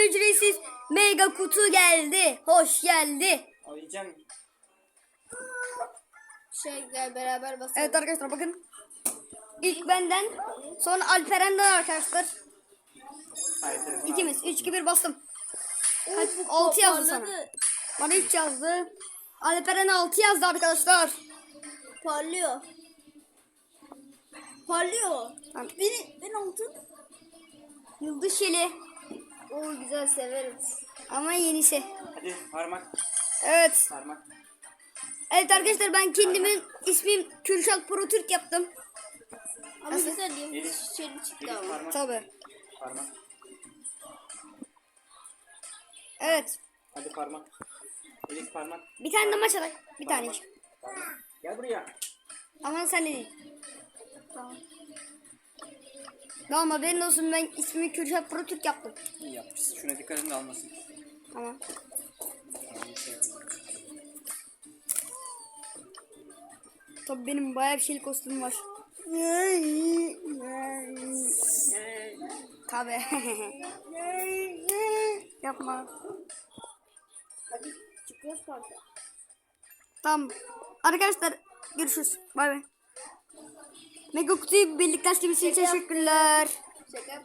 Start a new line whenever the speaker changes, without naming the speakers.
ücretsiz mega kutu geldi. Hoş geldi.
Alacağım.
Gel beraber basalım.
Evet arkadaşlar bakın. İlk benden, sonra Alperen'den arkadaşlar.
Hayır, telefonu
İkimiz.
aldım.
3 2 1 bastım. Kaç?
Bu
6 yazdı sana.
parladı.
Bana 3 yazdı. Alperen 6 yazdı arkadaşlar.
Parlıyor. Parlıyor.
Tamam.
Ben altın.
Yıldız şeli.
Oo güzel severiz.
Ama yenisi.
Hadi parmak.
Evet.
Parmak.
Evet arkadaşlar ben kendimin ismim Kürşat Pro Türk yaptım.
Ama
Nasıl?
güzel yıldız
Elif.
şişeli çıktı
Elif
ama.
parmak.
Tabii.
Parmak.
Evet.
Hadi parmak. Elif parmak.
Bir tane de maç atak. Bir tane.
Parmak. Parmak. Gel buraya.
Aman sen de değil.
Tamam.
Tamam haberin olsun ben ismimi Kürşat Pro Türk yaptım.
İyi yapmışsın. Şuna dikkat edin de almasın.
Tamam. Tabii benim bayağı bir şeyli kostümüm var. Tabii. Yapma.
Hadi çıkıyoruz parka.
Tamam. Arkadaşlar görüşürüz. Bay bay. Mega kutuyu birlikte açtığımız için teşekkürler.
Şaka